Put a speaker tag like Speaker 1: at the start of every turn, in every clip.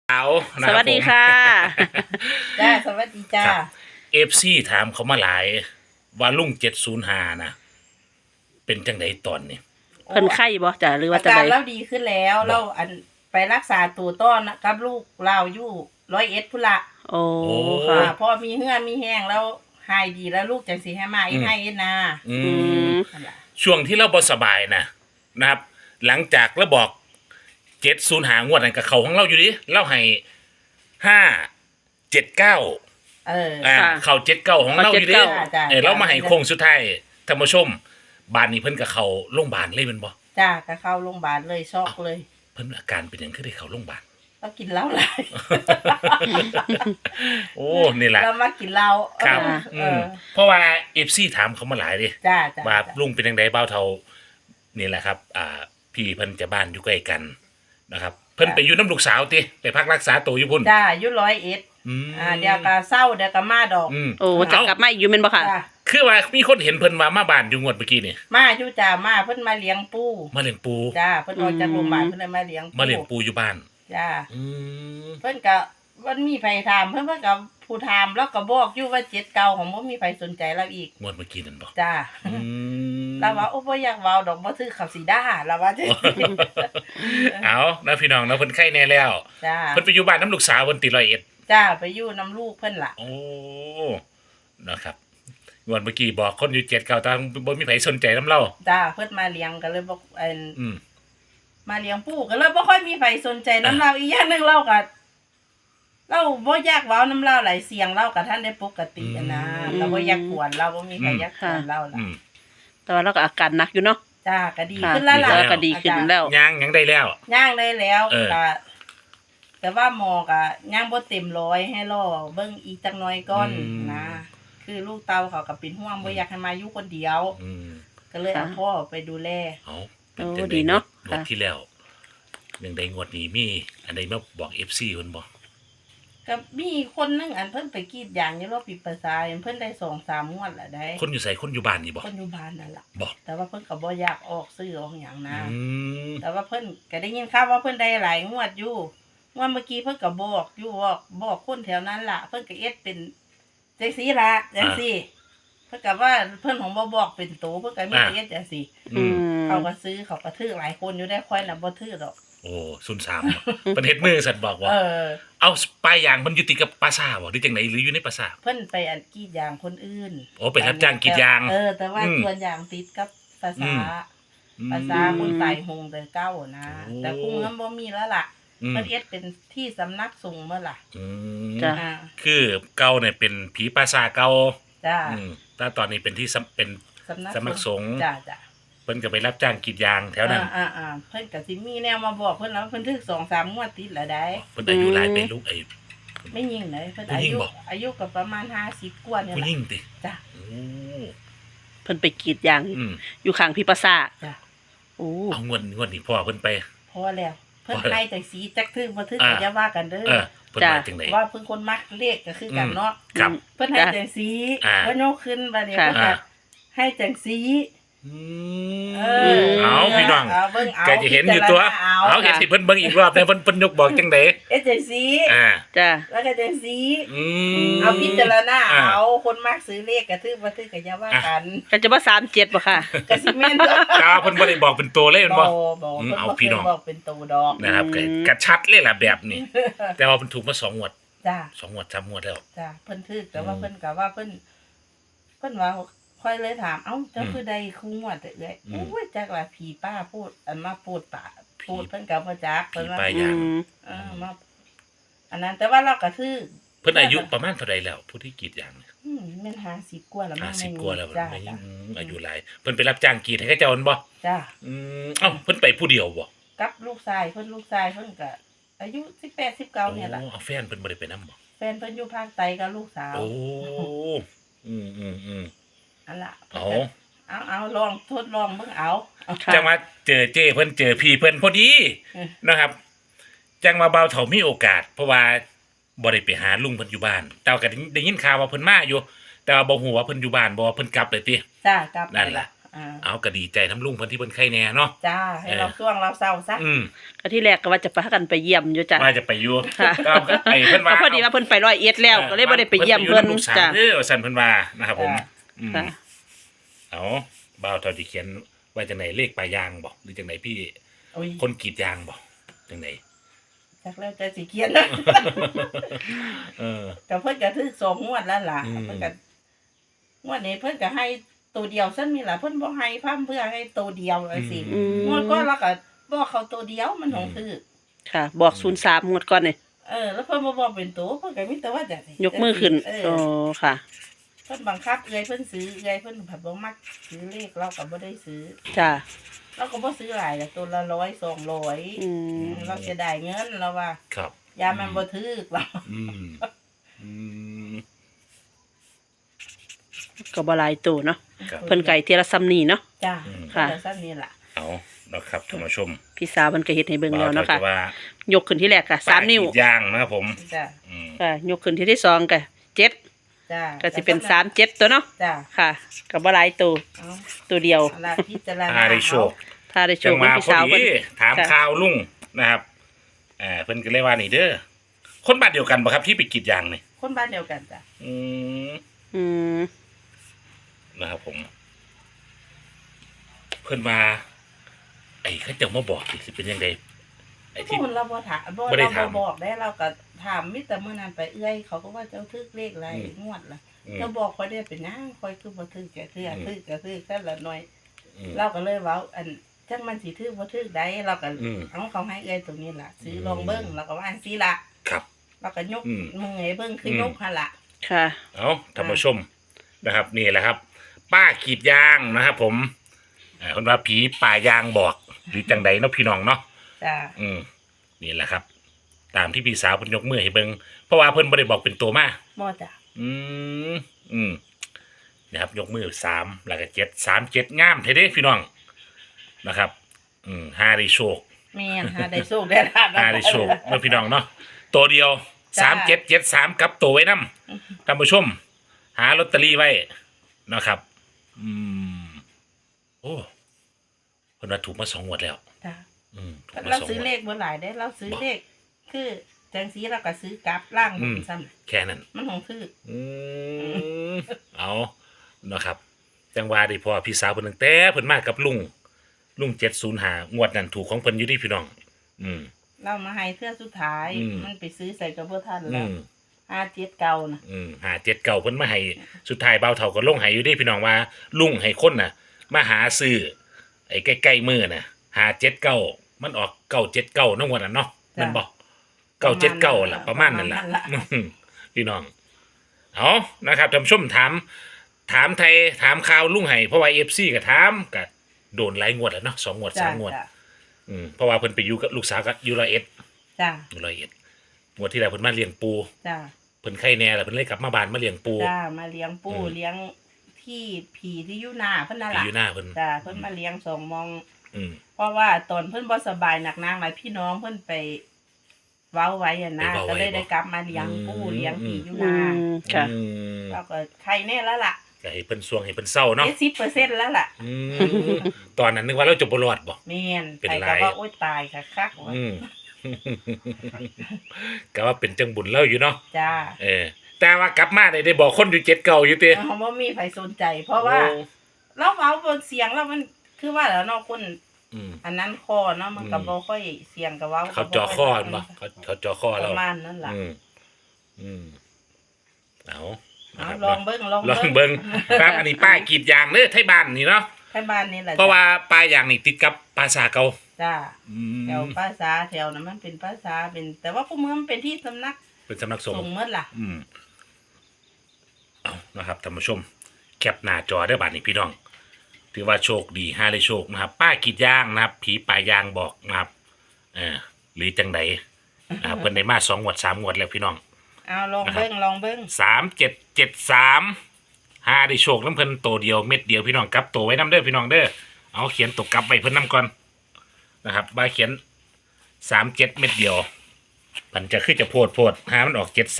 Speaker 1: เอานะ
Speaker 2: ส
Speaker 1: ครับ
Speaker 2: วัสดีค่ะ
Speaker 3: จ้าสวัสดีจ้า
Speaker 1: เอฟซีถามเขามาหลายว่าลุง705นะเป็นจังไดตอนนี้
Speaker 2: เพิ่นไข้บ่จ้ะหรือว่า
Speaker 3: อา
Speaker 2: จะ
Speaker 3: การ
Speaker 2: ได
Speaker 3: เราดีขึ้นแล้วเราอันไปรักษาตัวต้อนกับลูกเราอยู่101พุ่นละ
Speaker 2: โอ้
Speaker 1: โอ้
Speaker 2: ค่ะ
Speaker 3: พอมีเหื่อมีแห้งแล้วหายดีแล้วลูกจังสิให้มาอีกให้เอ็ดนา
Speaker 1: อื
Speaker 2: อื
Speaker 1: ม
Speaker 2: ม
Speaker 3: นั่นล่ะ
Speaker 1: ช่วงที่เราบ่สบายนะครับ หลังจากเราบอก705งวดนั้นกับเขาของเราอยู่ดิเราให้579
Speaker 3: ค่ะ
Speaker 1: เขา79ของเราอยู่ดิ
Speaker 3: จ้า
Speaker 1: เรามาให้โค้งสุดท้ายท่านผู้ชมบ้านนี้เพิ่นกับเขาโรงพยาบาลเลยแมันบ่
Speaker 3: จ้าก็เข้าโรงพยาบาลเลยช็อกเลย
Speaker 1: เพิ่นอาการเป็นหยังคือได้เข้าโรงพยาบาล
Speaker 3: เรากินเหล้าหลาย
Speaker 1: โอ้นี่แหละ
Speaker 3: เรามากินเหล้า
Speaker 1: ครับ
Speaker 3: เออ
Speaker 1: เพราะว่าเอฟซีถามเขามาหลายดิ
Speaker 3: จ้าจ้า
Speaker 1: ว่าลุงเป็นยังไงเบ้าเทานี่แหละครับ พี่เพิ่นจะบ้านอยู่ใกล้กันนะครับ เพิ่นไปอยู่น้ำลูกสาวติไปพักรักษาตัวอยู่พุ่น
Speaker 3: จ้าอยู่101
Speaker 1: อืม
Speaker 3: เดี๋ยวก็เศร้าเดี๋ยวก็มาดอก
Speaker 1: อืม
Speaker 2: โอ้จะกลับมาอีกอยู่แม่นบ่ค่ะ
Speaker 3: จ้า
Speaker 1: คือว่ามีคนเห็นเพิ่นมาบ้านอยู่งวดเมื่อกี้นี่
Speaker 3: มาอยู่จ้ามาเพิ่นมาเลี้ยงปู
Speaker 1: มาเลี้ยงปู
Speaker 3: จ้าเพิ่นออกจากโรงพยาบาลเพิ่นเลยมาเลี้ยง
Speaker 1: มาเลี้ยงปูอยู่บ้าน
Speaker 3: จ้า
Speaker 1: อืม
Speaker 3: เพิ่นก็มันมีไผถามเพิ่นก็ผู้ถามแล้วก็บอกอยู่ว่า7เก่าของบ่มีไผสนใจเราอีก
Speaker 1: งวดเมื่อกี้นั่นบอก
Speaker 3: จ้า
Speaker 1: อืม
Speaker 3: เราว่าโอ้บ่อยากเว้าดอกบ่ถือเขาสิด่าเราว่าจังซี่
Speaker 1: เอานะพี่น้องนะเพิ่นไข้แน่แล้ว
Speaker 3: จ้า
Speaker 1: เพิ่นไปอยู่บ้านน้ำลูกสาวเพิ่นติ101
Speaker 3: จ้าไปอยู่นํลูกเพิ่นล่ะ
Speaker 1: โอ้ นะครับงวดเมื่อกี้บอกคนอยู่7เก่าแต่บ่มีไผสนใจน้ำเล่า
Speaker 3: จ้าเพิ่นมาเลี้ยงก็เลยบอก
Speaker 1: อืม
Speaker 3: มาเลี้ยงปู่ก็เลยบ่ค่อยมีไผสนใจนํเราอีกอย่างหนึงเราก็เราบ่อยากเว้านํเราหลายเสียงเราก็ท่านได้ปกติอะนะ
Speaker 2: อืม
Speaker 3: เราบ่อยากกวนเราบ่มีใครอยากกวนเราล่ะ
Speaker 1: อืม
Speaker 2: แต่ว่าเราก็อาการหนักอยู่เนาะ
Speaker 3: จ้าก็ดี
Speaker 2: ค่ะ
Speaker 3: ขึ้นแล้วล่ะ
Speaker 2: แล้วก็ดีขึ้นแล้ว
Speaker 1: ยังได้แล้ว
Speaker 3: ย่างได้แล้ว
Speaker 1: เออ
Speaker 3: ก็แต่ว่าหมอก็ย่างบ่เต็มร้อยให้รอเบิ่งอีกจักหน่อยก่อนนะคือลูกเต้าเขาก็เป็นห่วงบ่อยากให้มาอยู่คนเดียว
Speaker 1: อืม
Speaker 3: ก็เลยเอา
Speaker 2: ค่ะ
Speaker 3: พ่อไปดูแล
Speaker 1: เอาเป็น
Speaker 2: โอ้
Speaker 1: จัง
Speaker 2: ดี
Speaker 1: ได๋
Speaker 2: เนาะ
Speaker 1: งวด
Speaker 2: ค่ะ
Speaker 1: ที่แล้วยังได้งวดนี้มีอันใดมาบอก FC เพิ่นบ่
Speaker 3: ก็มีคนนึงอันเพิ่นไปกรีดยางอยู่รอบปีประสาทเพิ่นได้2-3งวดแล้วได้
Speaker 1: คนอยู่ไสคนอยู่บ้านนี่บ่
Speaker 3: คนอยู่บ้านนั่นล่ะ
Speaker 1: บอก
Speaker 3: แต่ว่าเพิ่นก็บ่อยากออกซื้อออกหยังนะ
Speaker 1: อืม
Speaker 3: แต่ว่าเพิ่นก็ได้ยินข่าวว่าเพิ่นได้หลายงวดอยู่งวดเมื่อกี้เพิ่นก็บอกอยู่บอกคนแถวนั้นล่ะ เพิ่นก็เอ็ดเป็นจังซี่ล่ะจังซี่เพิ่นก็ว่าเพิ่นของบ่บอกเป็นโตเพิ่นก็มีแต่เอ็ดจังซี่
Speaker 1: อืม
Speaker 3: เขาก็ซื้อเขาก็ถือหลายคนอยู่ได้ค่อยน่ะบ่ถือดอก
Speaker 1: โอ้03เพิ่นเฮ็ดมือสั่นบอกว่า
Speaker 3: เออ
Speaker 1: เอาปลายยางเพิ่นอยู่ติดกับปราสาทบ่หรือจังไดหรืออยู่ในปราสาท
Speaker 3: เพิ่นไปอันกรีดยางคนอื่น
Speaker 1: โอ้ไปรับจ้างกรีดยาง
Speaker 3: แต่ว่า
Speaker 1: อืม
Speaker 3: ส่วนยางติดกับภาษา ภาษาคนตายโหงแต่เก้านะ
Speaker 1: โอ้
Speaker 3: แต่คงเงินบ่มีแล้วล่ะ
Speaker 1: อืม
Speaker 3: มันเอ็ดเป็นที่สำนักสงฆ์เมื่อล่ะ
Speaker 1: อืม
Speaker 2: จ้ะ
Speaker 3: อ่า
Speaker 1: คือเก่าเนี่ยเป็นผีปราสาทเก่า
Speaker 3: จ้า
Speaker 1: แต่ตอนนี้เป็นที่เป็น สำนักสงฆ์
Speaker 3: จ้าจ้า
Speaker 1: เพิ่นก็ไปรับจ้างกรีดยางแถวนั้น
Speaker 3: เพิ่นก็สิมีแนวมาบอกเพิ่นแล้วเพิ่นถึก2-3งวดติดแล้วได้
Speaker 1: เพิ่นอายุหลายเป็นลูกไอ้
Speaker 3: ไม่ยิงเลยเพิ่น
Speaker 1: ผู้หญิงบ่
Speaker 3: อายุก็ประมาณ50กว่าเนี่ย
Speaker 1: ผู้
Speaker 3: แห
Speaker 1: หญิ
Speaker 3: ละ
Speaker 1: งติ
Speaker 3: จ้า
Speaker 1: โอ้
Speaker 2: เพิ่นไปกรีดยาง
Speaker 1: อืม
Speaker 2: อยู่ข้างพี่ประสาท
Speaker 3: จ้า
Speaker 2: โอ้
Speaker 1: เอางวดนี้พ่อเพิ่นไป
Speaker 3: พอแล้วเพิ่น
Speaker 1: พอแล้ว
Speaker 3: ให้จังสีจักถึกบ่ถึก
Speaker 1: อ่า
Speaker 3: ก็อย่าว่ากันเด้อ
Speaker 1: เพิ่นมาจังได๋
Speaker 3: ว่าเพิ่นคนมักเลขก็คือกันเนาะ
Speaker 1: ครับ
Speaker 3: เพิ่นให้จังสี
Speaker 1: อ่า
Speaker 3: เพิ่นยกขึ้นบัดนี้
Speaker 2: ค่ะ
Speaker 3: เพิ่นก็ให้จังสี
Speaker 1: อื
Speaker 3: เอ
Speaker 1: มเอาพี่น้อง
Speaker 3: เอาเบิ่งเอา
Speaker 1: ก็จะเห็นอยู่ตัว เอาเห็นสิเพิ่นเบิ่งอีกรอบแต่เพิ่นยกบอกจังได๋
Speaker 3: เอ๊ะจังสี
Speaker 1: อ่า
Speaker 2: จ้ะ
Speaker 3: แล้วก็จังสี
Speaker 1: อืม
Speaker 3: เอาพิจารณา
Speaker 1: อ่า
Speaker 3: เอาคนมักซื้อเลขก็ถือบ่ถือก็อย่าว่ากัน
Speaker 2: ก็จะว่า37บ่ค่ะ
Speaker 3: ก็สิแม่นเด้อ
Speaker 1: ตาเพิ่นบ่ได้บอกเป็นตัวเลยแม่นบ่
Speaker 3: บ่
Speaker 1: อืม
Speaker 3: เพิ่น
Speaker 1: เอา
Speaker 3: บ่
Speaker 1: พี่
Speaker 3: เคย
Speaker 1: น้อง
Speaker 3: บอกเป็นตัวดอก
Speaker 1: นะครับ
Speaker 2: อืม
Speaker 1: กระชัดเลยล่ะแบบนี้ แต่ว่าเพิ่นถูกมา2งวด
Speaker 3: จ้า
Speaker 1: 2งวด3งวดแล้ว
Speaker 3: จ้าเพิ่นถือแต่ว่า
Speaker 1: อืม
Speaker 3: เพิ่นก็ว่าเพิ่นว่าค่อยเลยถามเอ้าเจ้า
Speaker 1: อืม
Speaker 3: คือใดคู่งวดเอ้ย
Speaker 1: อืม
Speaker 3: โอ้ยจักว่าผีป้าพูดอันมาพูดป่าพูดเพิ่นก็บ่จัก
Speaker 1: ผี
Speaker 3: เพิ่นว่า
Speaker 1: ป้า
Speaker 2: อืม
Speaker 3: มาอันนั้นแต่ว่าเราก็ถือ
Speaker 1: เพิ่นอายุประมาณเท่าใดแล้วผู้ที่กรีดยางเนี่ย
Speaker 3: แม่น50กว่าแล้วมั้ง
Speaker 1: 50กว่าแล้ว
Speaker 3: จ้า
Speaker 1: ไม่
Speaker 3: จ้า
Speaker 1: อายุหลายเพิ่นไปรับจ้างกรีดให้เขาเจ้ามันบ่
Speaker 3: จ้า
Speaker 1: เอ้าเพิ่นไปผู้เดียวบ่
Speaker 3: กับลูกชายเพิ่นก็อายุ18 19เนี่ยล่ะ
Speaker 1: โอ้เอาแฟนเพิ่นบ่ได้ไปนำบ่
Speaker 3: แฟนเพิ่นอยู่ภาคใต้กับลูกสาว
Speaker 1: โอ้อืม
Speaker 3: อันล่ะ
Speaker 1: เอา
Speaker 3: เอาลองทดลองเบิ่งเอา
Speaker 2: ค่ะ
Speaker 1: จังว่าเจอเจ้เพิ่นเจอพี่เพิ่นพอดี
Speaker 3: เออ
Speaker 1: นะครับ จังว่าเบาเฒ่ามีโอกาส เพราะว่าบ่ได้ไปหาลุงเพิ่นอยู่บ้าน แต่ว่าก็ได้ยินข่าวว่าเพิ่นมาอยู่ แต่ว่าบ่ฮู้ว่าเพิ่นอยู่บ้านบ่ว่าเพิ่นกลับเลยติ
Speaker 3: จ้ากลับไป
Speaker 1: นั่นล่ะเอาก็ดีใจน้ำลุงเพิ่นที่เพิ่นไข้แน่เนาะ
Speaker 3: จ้าให้เราช่วงเราเศร้าซะ
Speaker 2: ก็ที่แรกก็ว่าจะพากันไปเยี่ยมอยู่จ้ะ
Speaker 1: ว่าจะไปอยู่
Speaker 2: ค่ะ
Speaker 1: ก็ไอ้เพิ่นว่า
Speaker 2: ก็พอดีว่าเพิ่นไป100แล้วก็เลยบ่ได้ไปเยี่ยมเพิ่น
Speaker 1: ลูกสาว
Speaker 2: จ้ะ
Speaker 1: เด้อว่าซั่นเพิ่นว่านะครับผมอืม
Speaker 2: ค่ะ
Speaker 1: เอาบ่าวเท่าที่เขียนไว้จังไหนเลขปลายยางบ่หรือจังไหนพี่
Speaker 3: โอ้ย
Speaker 1: คนกรีดยางบ่จังไหน
Speaker 3: จักแล้วแต่สิเขียนนะ
Speaker 1: เออ
Speaker 3: ก็เพิ่นก็ถึก2งวดแล้วล่ะ
Speaker 1: อืม
Speaker 3: เพิ่นก็งวดนี้เพิ่นก็ให้ตัวเดียวซั่นมีล่ะเพิ่นบ่ให้พร่ำเพื่อให้ตัวเดียวจังซี่
Speaker 2: อืม
Speaker 3: งวดก่อนเราก็บอกเขาตัวเดียวมันของถือ
Speaker 2: ค่ะ บอก03งวดก่อนนี่
Speaker 3: แล้วเพิ่นบ่บอกเป็นตัวเพิ่นก็มีแต่ว่าจังซี่
Speaker 2: ยกมือขึ้น
Speaker 3: เอ
Speaker 2: โอ้
Speaker 3: อ
Speaker 2: ค่ะ
Speaker 3: เพิ่นบังคับเอื้อยเพิ่นซื้อเอื้อยเพิ่นผัดบ่มักซื้อเลขเราก็บ่ได้ซื้อ
Speaker 2: จ้ะ
Speaker 3: เราก็บ่ซื้อหลายตัวละ100 200
Speaker 2: อืม
Speaker 3: เราจะได้เงินเราว่า
Speaker 1: ครับ
Speaker 3: ยามันบ่ถึกเรา
Speaker 1: อืมอืม
Speaker 2: ก็บ่หลายตัวเนาะ
Speaker 1: ครับ
Speaker 2: เพิ่นไก่เทียละซ้ำนี่เนาะ
Speaker 3: จ้า
Speaker 2: ค่ะ
Speaker 3: แต่ซั่นนี่ล่ะ
Speaker 1: เอานะครับท่านผู้ชม
Speaker 2: พี่สาวเพิ่นก็เฮ็ดให้เบิ่งแล้วเนาะค่ะ
Speaker 1: บ่าวเท่าที่ว่าย
Speaker 2: กขึ้นที่แรกก็3นิ้ว
Speaker 1: ป้กรีดยางนะครับผม
Speaker 3: จ้า
Speaker 1: อืม
Speaker 2: ค่ะยกขึ้นที่ที่2ก็7
Speaker 3: จ้า
Speaker 2: ก็สิเป็น37ตัวเนาะ
Speaker 3: จ้า
Speaker 2: ค่ะก็บ่หลายตัว
Speaker 3: เอา
Speaker 2: ตัวเดียว
Speaker 3: เอาล่ะพิจารณา
Speaker 1: อาได้โชค
Speaker 2: ถ้าได้โช
Speaker 1: จั
Speaker 2: ค
Speaker 1: ง
Speaker 2: เป็น
Speaker 1: มา
Speaker 2: พี่
Speaker 1: พอ
Speaker 2: สาว
Speaker 1: ดี
Speaker 2: เพิ่น
Speaker 1: ถาม
Speaker 2: ค่ะ
Speaker 1: ข่าวลุงนะครับเพิ่นก็เลยว่านี่เด้อคนบ้านเดียวกันบ่ครับที่ไปกรีดยางนี่
Speaker 3: คนบ้านเดียวกันจ้ะ
Speaker 1: อืม
Speaker 2: อืม
Speaker 1: นะครับผม เพิ่นมาไอ้เขาเจ้ามาบอกสิเป็นยังไงไอ้ที่
Speaker 3: พูดเราบ่ถามบ่
Speaker 1: บ่ได้
Speaker 3: เรา
Speaker 1: ถาม
Speaker 3: บ่บอกได้เราก็ถามมิแต่มื้อนั้นไปเอื้อยเขาก็ว่าเจ้าทึกเลขอะไร
Speaker 1: อืม
Speaker 3: งวดล่ะ
Speaker 1: อืม
Speaker 3: เจ้าบอกค่อยได้เป็นนางค่อยคือบ่ทึกแกเทื่อ
Speaker 1: อืม
Speaker 3: ทึกก็ทึกแค่ละหน่อย
Speaker 1: อืม
Speaker 3: เราก็เลยเว้าอันจังมันสิทึกบ่ทึกได้เราก็
Speaker 1: อืม
Speaker 3: เอาเขาให้เอื้อยตรงนี้ล่ะซื้ออ
Speaker 1: ม
Speaker 3: ลองเบิ่งเราก็ว่าอันซี่ล่ะ
Speaker 1: ครับ
Speaker 3: เราก็ยก
Speaker 1: อืม
Speaker 3: มือให้เบิ่งคือยกหั่นล่ะ
Speaker 2: ค่ะ
Speaker 1: เอาท่านผู้ชมนะครับ นี่แหละครับ ป้ากรีดยางนะครับ ผมคนว่าผีป่ายางบอกหรือจังใดเนาะพี่น้องเนาะ
Speaker 3: จ้ะ
Speaker 1: นี่แหละครับ ตามที่พี่สาวเพิ่นยกมือให้เบิ่งเพราะว่าเพิ่นบ่ได้บอกเป็นตัวมา
Speaker 3: บ่จ้ะ
Speaker 1: อืมอืมนะครับยกมือ3แล้วก็7 3 7งามเท่เด้พี่น้องนะครับห้าได้โชค
Speaker 3: แม่นหาได้โชคได้ลาบ
Speaker 1: ห้าได้โชคเมื่อพี่น้องเนาะตัวเดียว3773กับตัวไว้นำท่านผู้ชม หาลอตเตอรี่ไว้นะครับ โอ้เพิ่นว่าถูกมา2งวดแล้ว
Speaker 3: จ้ะ
Speaker 1: ถูกมา
Speaker 3: เรา
Speaker 1: 2
Speaker 3: ซื้อง
Speaker 1: วด
Speaker 3: เลขบ่หลายได้เราซื้อเลขคือจังสีเราก็ซื้อกลับล่างมันซ้ำ
Speaker 1: แค่นั้น
Speaker 3: มันของคือ
Speaker 1: เอานะครับ จังหวะได้พอพี่สาวเพิ่นตั้งแต่เพิ่นมากับลุง705งวดนั้นถูกของเพิ่นอยู่ดิพี่น้อง
Speaker 3: เรามาให้เทื่อสุดท้าย
Speaker 1: อืม
Speaker 3: มันไปซื้อใส่กับเพื่อท่าน
Speaker 1: อื
Speaker 3: แล้ว
Speaker 1: ม
Speaker 3: 57เก่านะ
Speaker 1: 57เก่าเพิ่นมาให้สุดท้ายเบาเฒ่าก็ลงให้อยู่ดิพี่น้องว่าลุงให้คนน่ะ มาหาซื้อไอ้ใกล้ๆมือน่ะ579มันออก979เนาะงวดนั้นเนาะแม่นบ่979ล่ะประมาณนั้นล่ะ พี่น้อง เอานะครับท่านผู้ชมถามไทยถามข่าวลุงไห้เพราะว่า FC ก็ถามก็โดนหลายงวดแล้วเนาะ2งวด
Speaker 3: จ้ะ
Speaker 1: 3งวด
Speaker 3: จ้ะ
Speaker 1: เพราะว่าเพิ่นไปอยู่กับลูกสาวกับอยู่100
Speaker 3: จ้ะ
Speaker 1: งวดที่แล้วเพิ่นมาเลี้ยงปู
Speaker 3: จ้ะ
Speaker 1: เพิ่นไข้แน่แล้วเพิ่นเลยกลับมาบ้านมาเลี้ยงปู
Speaker 3: จ้ะมาเลี้ยงปู
Speaker 1: อืม
Speaker 3: เลี้ยงที่ผีที่อยู่หน้าเพิ่นนั่น
Speaker 1: ไป
Speaker 3: ล่ะ
Speaker 1: อยู่หน้าเพิ่น
Speaker 3: จ้ะเพิ่นมาเลี้ยง2มอง
Speaker 1: อืม
Speaker 3: เพราะว่าตอนเพิ่นบ่สบายหนักนางหลายพี่น้องเพิ่นไปเว้าไว้อะนะก็เลยได้กลับมาเลี้ยงปูเลี้ยงผีอยู่ห
Speaker 2: อื
Speaker 3: น้าม
Speaker 2: ค่ะ
Speaker 1: อืม
Speaker 3: เราก็ไข้แน่แล้วล่ะ
Speaker 1: ก็ให้เพิ่นสวงให้เพิ่นเศร้าเนาะ
Speaker 3: 70%แล้วล่ะ
Speaker 1: อืมตอนนั้นนึกว่าเราจะบ่รอดบ่
Speaker 3: แม่น
Speaker 1: เป็น
Speaker 3: ไป
Speaker 1: ไร
Speaker 3: ก็ว่าโอ๊ยตายคักๆว่า
Speaker 1: อืม ก็ว่าเป็นจังบุญเล่าอยู่เนาะ
Speaker 3: จ้า
Speaker 1: แต่ว่ากลับมาได้บอกคนอยู่7เก่าอยู่ติ
Speaker 3: เขาบ่มีใครสนใจ เพราะว่าเราเว้าบนเสียงแล้วมันคือว่าแล้วเนาะคน
Speaker 1: อืม
Speaker 3: อันนั้นคอเนาะมันก็บ่ค่อยเสียงกับเว้า
Speaker 1: เขาจ่อข้อกันบ่เขาจ่อข้อ
Speaker 3: ป
Speaker 1: เรา
Speaker 3: ระมาณนั้นล่ะ
Speaker 1: อืมเอานะ
Speaker 3: เอา
Speaker 1: ครับ
Speaker 3: ลองเบิ่ง
Speaker 1: ลองเบิ่งครับอันนี้ป้ายกรีดยางเด้อไทบ้านนี่เนาะ
Speaker 3: แค่บ้านนี่แหละ
Speaker 1: เพราะว่าป้ายยางนี่ติดกับปราสาทเก่า
Speaker 3: จ้า
Speaker 1: อืม
Speaker 3: แถวภาษาแถวนั้นมันเป็นภาษาเป็น แต่ว่าพวกเมืองมันเป็นที่สำนัก
Speaker 1: เป็นสำนักสง
Speaker 3: ส่ง
Speaker 1: ฆ์
Speaker 3: เมื่อล่ะ
Speaker 1: เอานะครับท่านผู้ชม แคปหน้าจอได้อบาดนี้พี่น้อง ถือว่าโชคดีห้าได้โชคนะครับ ป้ากรีดยางนะครับ ผีป่ายางบอกนะครับหรือจังใดนะครับเพิ่นได้มา2งวด3งวดแล้วพี่น้อง
Speaker 3: เอาลองเบิ่งลองเบิ่ง
Speaker 1: 3773หาได้โชคน้ำเพิ่นโตเดียวเม็ดเดียวพี่น้องกลับโตไว้น้ำเด้อพี่น้องเด้อเอาเขียนตกกลับไว้เพิ่นน้ำก่อนนะครับบาเขียน37เม็ดเดียวมันจะขึ้นจะโพดหามันออก73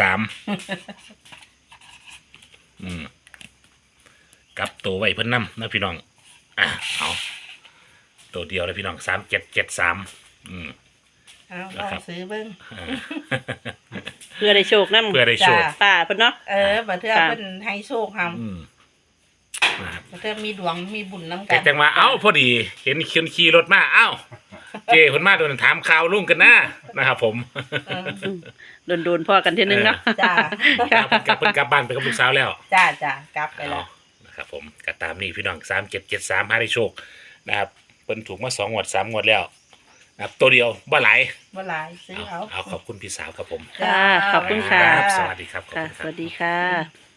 Speaker 1: กลับโตไว้เพิ่นน้ำนะพี่น้องเอาตัวเดียวเลยพี่น้อง3773
Speaker 3: เอาล
Speaker 1: นะ
Speaker 3: อง
Speaker 1: ครับ
Speaker 3: ซื้อเบิ่ง
Speaker 1: อ่า
Speaker 2: เพื่อได้โชคนำ
Speaker 1: เพื่อได้โชค
Speaker 3: จ้ะ
Speaker 2: ป้าเพิ่นเนาะ
Speaker 3: บัดเทื่อ
Speaker 2: ค่ะ
Speaker 3: เพิ่นให้โชคหำ
Speaker 1: อืมนะครับ
Speaker 3: บัดเทื่อมีดวงมีบุญนำกั
Speaker 1: แต่
Speaker 3: น
Speaker 1: จังว่าเอ้าพอดีเห็นคนขี่รถมาเอ้าเจ้เพิ่นมาโดนถามข่าวลุงกันนะครับผม
Speaker 3: เออ
Speaker 2: โดนๆพอกันเทีนึงเนาะ
Speaker 3: จ้า
Speaker 1: เพิ่นกลับบ้านไปกับลูกสาวแล้ว
Speaker 3: จ้ากลับไปแล้ว
Speaker 1: นะครับผมก็ตามนี้พี่น้อง3773หาได้โชคนะครับเพิ่นถูกมา2งวด3งวดแล้วนะครับตัวเดียวบ่หลาย
Speaker 3: บ่หลายซื้อเอา
Speaker 1: เอาขอบคุณพี่สาวครับผม
Speaker 2: ค่ะขอบคุณค่ะ
Speaker 1: รับสวัสดีครับขอบ
Speaker 2: ค่ะ
Speaker 1: คุณ
Speaker 2: ส
Speaker 1: ครับ
Speaker 2: วัสดีค่ะ